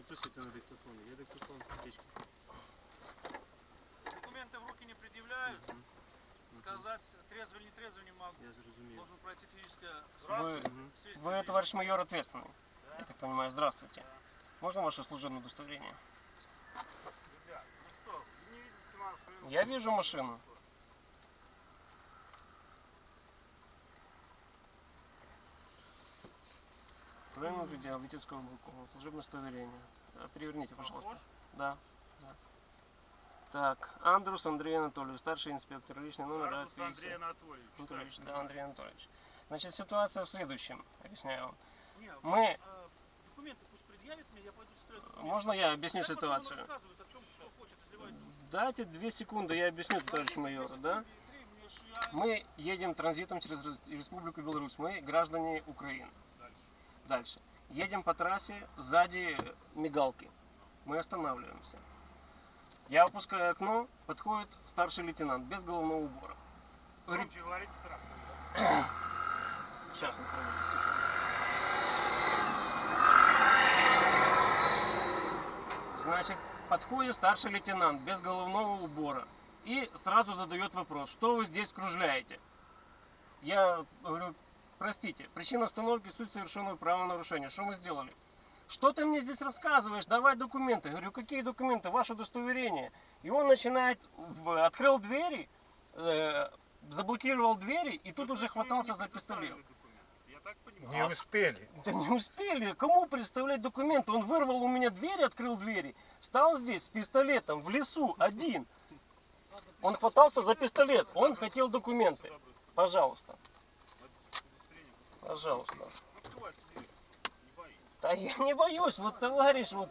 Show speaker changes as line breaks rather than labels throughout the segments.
Попросите на диктофон. Є диктофон, птичка.
Документы в руки не предъявляют. Сказать, трезво или не трезво не могу.
Я зрозумів.
Должен пройти физическое.
Вы, товарищ майор, ответственный. Да? Я так понимаю, здравствуйте. Да. Можно ваше служебное удостоверение?
Ребят, ну что, вы не видите машину?
Я вижу машину. Правильно видео, водительского руку. Служебное удостоверение. Переверните, пожалуйста. Да. Да. Так, Андрус Андрей Анатольевич, старший инспектор, личный номер.
Андрус Андрей Анатольевич.
Да, Андрей Анатольевич. Значит, ситуация в следующем, объясняю вам.
Нет,
мы...
Документы пусть предъявит мне, я пойду стрелять документы.
Можно я объясню ситуацию?
Он рассказывает, о чем что хочет, изливает.
Дайте 2 секунды, я объясню, товарищ майор, да? Мы едем транзитом через Республику Беларусь, мы граждане Украины. Дальше. Едем по трассе, сзади мигалки. Мы останавливаемся. Я опускаю окно, подходит старший лейтенант без головного убора. Говорит,
говорит
сейчас, секунду. Значит, подходит старший лейтенант без головного убора и сразу задает вопрос, что вы здесь кружляете? Я говорю, простите, причина остановки суть совершенного правонарушения. Что мы сделали? Что ты мне здесь рассказываешь? Давай документы. Говорю, какие документы? Ваше удостоверение. И он начинает, открыл двери, заблокировал двери и тут уже хватался за пистолет.
Я так понимаю.
Не успели.
Да не успели. Кому представлять документы? Он вырвал у меня двери, открыл двери, стал здесь с пистолетом в лесу один. Он хватался за пистолет. Он хотел документы. Пожалуйста. Пожалуйста. Да я не боюсь, вот товарищ, вот.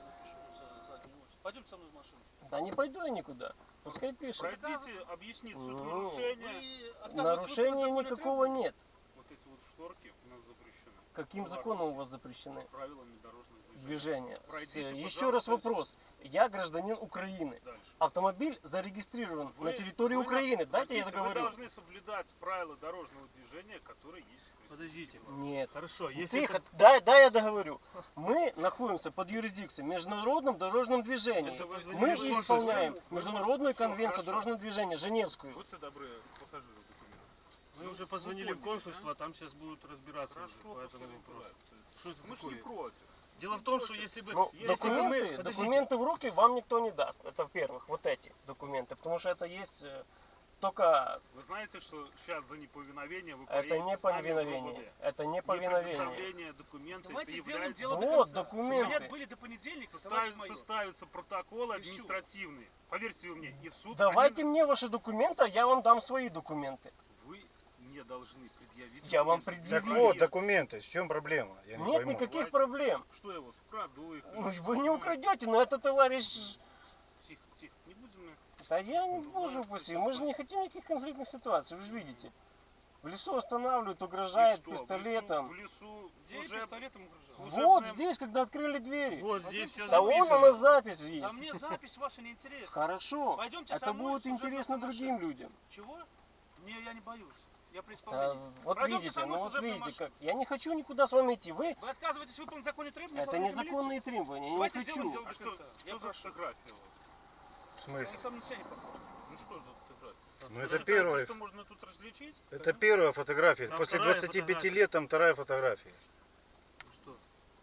Пойдем со мной в машину.
Да не пойду я никуда. Пускай пишет.
Пройдите, объяснить суть нарушения.
Нарушения никакого нет.
Вот эти вот шторки у нас запрещены.
Каким законом у вас запрещены?
Правилами дорожного
Движения.
Пройдите,
Еще раз вопрос. Я гражданин Украины.
Дальше.
Автомобиль зарегистрирован на территории Украины. Дайте я договорю.
Вы должны соблюдать правила дорожного движения, которые есть.
Подождите.
Нет.
Хорошо, если
Тихо,
это...
дай я договорю. Мы находимся под юрисдикцией международном дорожном движении. Мы исполняем Международную конвенцию дорожного движения, Женевскую.
Будьте добры, пассажиры документы.
Мы уже позвонили в консульство, а там сейчас будут разбираться по этому вопросу. Что это
Мы же не
такое?
против.
Дело в том, что если бы...
Ну,
если бы мы...
документы в руки вам никто не даст. Это во-первых, вот эти документы. Потому что это есть только...
Вы знаете, что сейчас за неповиновение вы
Это не повиновение. Это не повиновение.
Предоставление документов.
Давайте сделаем дело
Вот,
до конца.
документы.
У меня были до понедельника, товарищ майор.
Составятся протоколы административные. Поверьте вы мне, и в суд...
Давайте мне ваши документы, а я вам дам свои документы.
Вы не должны предъявить...
Я вам
Так
предъявлю.
вот, документы. В чем проблема? Я не
Нет
пойму.
никаких проблем.
Что я вас украду их?
Ну, вы не украдете, но это товарищ...
Тихо, тихо, не будем...
Да я не боже упаси, мы же не хотим никаких конфликтных ситуаций, вы же видите. В лесу останавливают, угрожают пистолетом.
В лесу
Где
уже...
пистолетом угрожал?
Вот здесь, когда открыли двери.
Вот здесь все
Да вон
записано.
она запись есть.
А мне запись ваша не интересна.
Хорошо,
Пойдемте со
это
мной
будет
в служебную
интересно
машину.
другим людям.
Чего? Я не боюсь. Я при
Да,
исполнении.
вот
Пройдемте
видите,
со мной
ну
в
вот
служебную
видите,
машину.
как. Я не хочу никуда с вами идти. Вы,
Вы отказываетесь выполнить законные требования?
это
сотрудника
незаконные
милиции?
требования, я не
Давайте сделаем
хочу.
дело
А
до
что,
конца. Я
что за
прошу.
фотография у вас?
В
Он
смысле?
сам на себя не похож.
Ну что за фотография?
Ну
Вы
это
считаете,
первая.
что можно тут различить?
Это первая фотография.
Там
После
вторая
25
фотография.
лет там вторая фотография.
Ну что?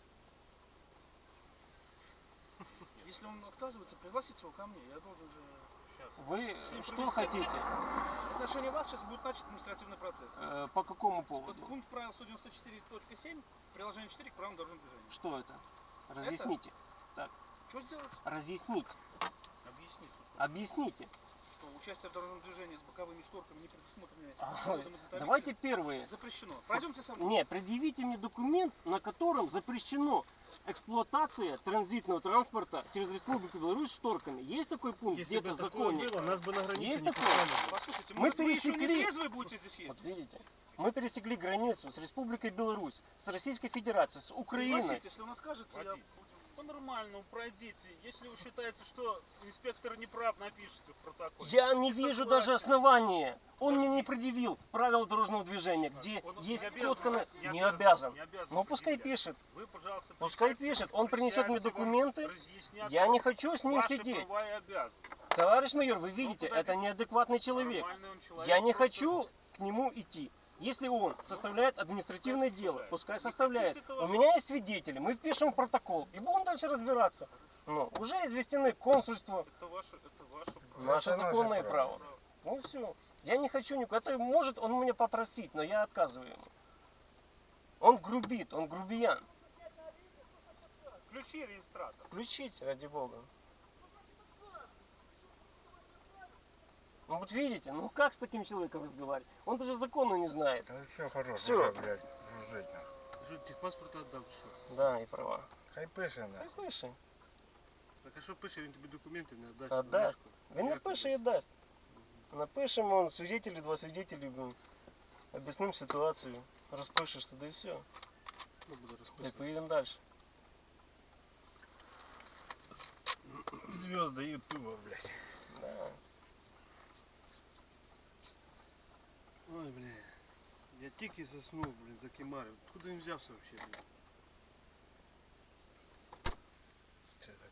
Если он отказывается, пригласите его ко мне. Я должен же...
Вы
С ним
что
провести.
хотите?
В отношении вас сейчас будет начат административный процесс.
По какому
Вот
поводу?
пункт правил 194.7, приложение 4 к правилам дорожного движения.
Что это? Разъясните.
Что сделать?
Разъяснить.
Объясните.
Объясните.
Что участие в дорожном движении с боковыми шторками не предусмотрено этим
А,
кодом изготовителя.
давайте первые.
Запрещено. Пройдемте со мной.
Не, предъявите мне документ, на котором запрещено эксплуатация транзитного транспорта через Республику Беларусь шторками. Есть такой пункт
Если бы
где-то в
такое
законе?
было, нас бы на границе
Есть
не
такое?
пускали.
Послушайте,
Мы
может, вы еще не
пересекли-
трезвые будете здесь
Вот
ездить?
видите, мы пересекли границу с Республикой Беларусь, с Российской Федерацией, с Украиной.
Пригласите, если он откажется, я...
Водитель. По-нормальному пройдите. Если вы считаете, что инспектор не прав, напишите в протоколе.
Я не
Не
вижу
согласен.
даже основания. Он мне не предъявил правила дорожного движения, где
Он
есть
не обязан,
четко...
не
Не
обязан,
обязан.
не обязан
Ну пускай
предъявлять.
пишет.
Вы, пожалуйста,
Пускай
присядьте,
пишет. Он принесет мне
присядьте, вам
документы.
разъяснят
Я не хочу с ним
ваши
сидеть.
права и обязанности.
Товарищ майор, вы видите,
подождите.
это неадекватный человек.
Нормальный он человек,
Я не
просто-
хочу к нему идти. Если он составляет административное дело, пускай
Не
составляет.
хотите, это
У
ваше
меня есть свидетели, мы впишем в протокол и будем дальше разбираться. Ну, уже известены консульство,
Это ваше право.
наше
Это наше
законное
право.
право. Ну все. Я не хочу никуда. Это может он меня попросить, но я отказываю ему. Он грубит, он грубиян.
Ключи регистратора.
Включите, ради бога. Ну вот видите, ну как с таким человеком разговаривать? Он даже закону не знает.
Ну все, хорош,
Всё.
уже, блядь, жить нахуй.
Що, техпаспорт отдам, що?
Да, и права.
Хай пише нахуй.
Хай пише.
Так а що пише, він тобі документи не отдасть?
Отдасть. Він
Як
напише і дасть. Напишемо, он свидетели, два свидетеля, объясним ситуацию, распишешься, да и все.
Ну, буде
И
розписувати.
поедем дальше.
Звезды Ютуба, блядь.
Да.
Ой, бля. Я тільки заснув, блін, закимарив. Откуда він взявся вообще, блін?